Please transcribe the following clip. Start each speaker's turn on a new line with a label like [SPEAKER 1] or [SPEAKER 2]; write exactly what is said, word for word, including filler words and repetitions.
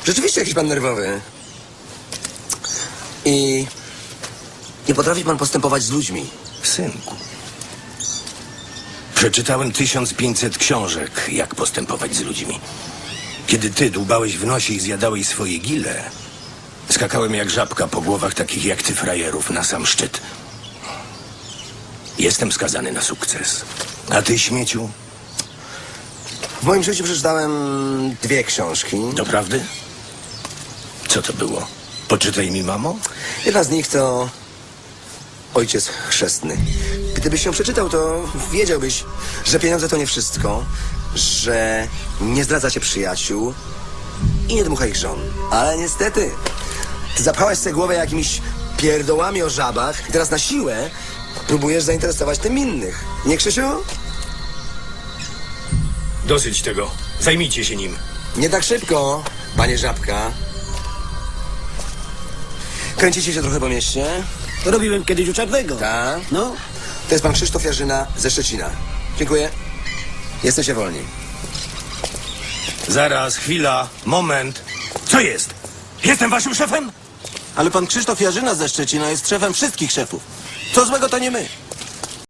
[SPEAKER 1] Rzeczywiście jakiś pan nerwowy. I nie potrafi pan postępować z ludźmi.
[SPEAKER 2] Synku. Przeczytałem tysiąc pięćset książek, jak postępować z ludźmi. Kiedy ty dłubałeś w nosie i zjadałeś swoje gile, skakałem jak żabka po głowach takich jak ty frajerów na sam szczyt. Jestem skazany na sukces. A ty, śmieciu?
[SPEAKER 1] W moim życiu przeczytałem dwie książki.
[SPEAKER 2] Doprawdy? Co to było? Poczytaj mi, mamo?
[SPEAKER 1] Jedna z nich to Ojciec Chrzestny. Gdybyś ją przeczytał, to wiedziałbyś, że pieniądze to nie wszystko, że nie zdradza się przyjaciół i nie dmucha ich żon. Ale niestety, ty zapchałaś sobie głowę jakimiś pierdołami o żabach i teraz na siłę próbujesz zainteresować tym innych. Nie, Krzysiu?
[SPEAKER 2] Dosyć tego. Zajmijcie się nim.
[SPEAKER 1] Nie tak szybko, panie Żabka. Kręcicie się trochę po mieście?
[SPEAKER 3] Robiłem kiedyś u Czarnego.
[SPEAKER 1] Tak.
[SPEAKER 3] No,
[SPEAKER 1] To jest pan Krzysztof Jarzyna ze Szczecina. Dziękuję. Jesteście wolni.
[SPEAKER 2] Zaraz, chwila, moment. Co jest? Jestem waszym szefem?
[SPEAKER 3] ale pan Krzysztof Jarzyna ze Szczecina jest szefem wszystkich szefów. Co złego to nie my.